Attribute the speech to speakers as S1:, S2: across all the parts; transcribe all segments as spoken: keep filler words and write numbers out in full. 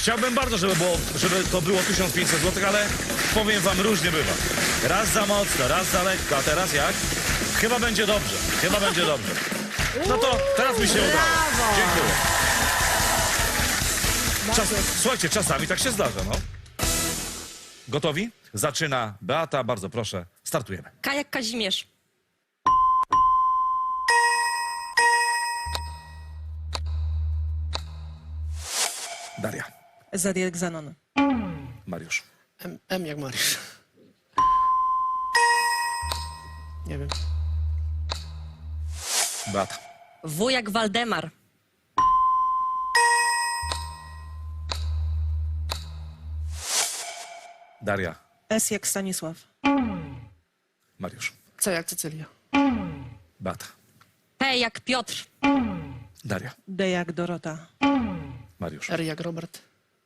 S1: Chciałbym bardzo, żeby, było, żeby to było tysiąc pięćset złotych, ale powiem wam, różnie bywa. Raz za mocno, raz za lekko, a teraz jak? Chyba będzie dobrze, chyba będzie dobrze. No to teraz mi się udało. Dziękuję. Czas, słuchajcie, czasami tak się zdarza, no. Gotowi? Zaczyna Beata, bardzo proszę, startujemy.
S2: K jak Kazimierz.
S1: Daria,
S3: Z jak Zanon.
S1: Mariusz,
S4: M, M jak Mariusz. Nie wiem.
S1: Beata,
S2: W jak Waldemar.
S1: Daria,
S3: S jak Stanisław.
S1: Mariusz,
S4: C jak Cecylia.
S1: Beata,
S2: P jak Piotr.
S1: Daria,
S3: D jak Dorota.
S1: Mariusz,
S4: R jak Robert.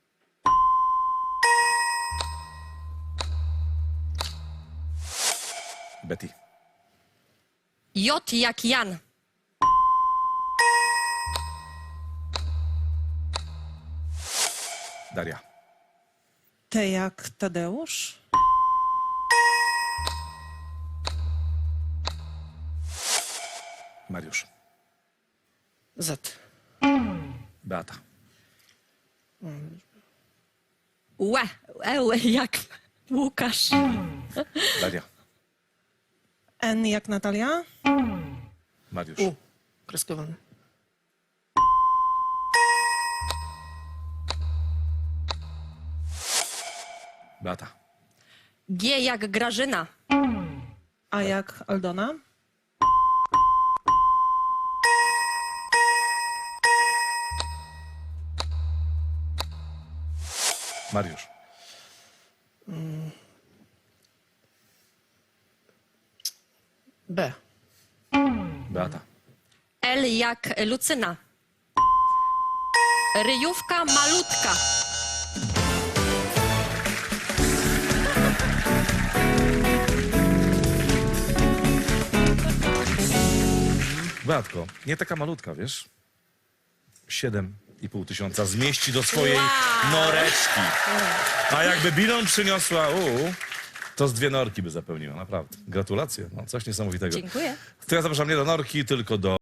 S1: Betty,
S2: J jak Jan.
S1: Daria,
S3: T jak Tadeusz.
S1: Mariusz,
S4: Z.
S1: Beata,
S2: Łe, Eł jak Łukasz.
S1: Daria,
S3: N jak Natalia.
S1: Mariusz,
S4: U. Kreskowany.
S1: Beata,
S2: G jak Grażyna.
S3: A jak Aldona.
S1: Mariusz,
S4: B.
S1: Beata,
S2: L jak Lucyna. Ryjówka malutka.
S1: Beatko, nie taka malutka, wiesz? Siedem i pół tysiąca zmieści do swojej
S2: Wow.
S1: noreczki. A jakby bilon przyniosła, u, to z dwie norki by zapełniła, naprawdę. Gratulacje, no, coś niesamowitego.
S2: Dziękuję.
S1: To ja zapraszam nie do norki, tylko do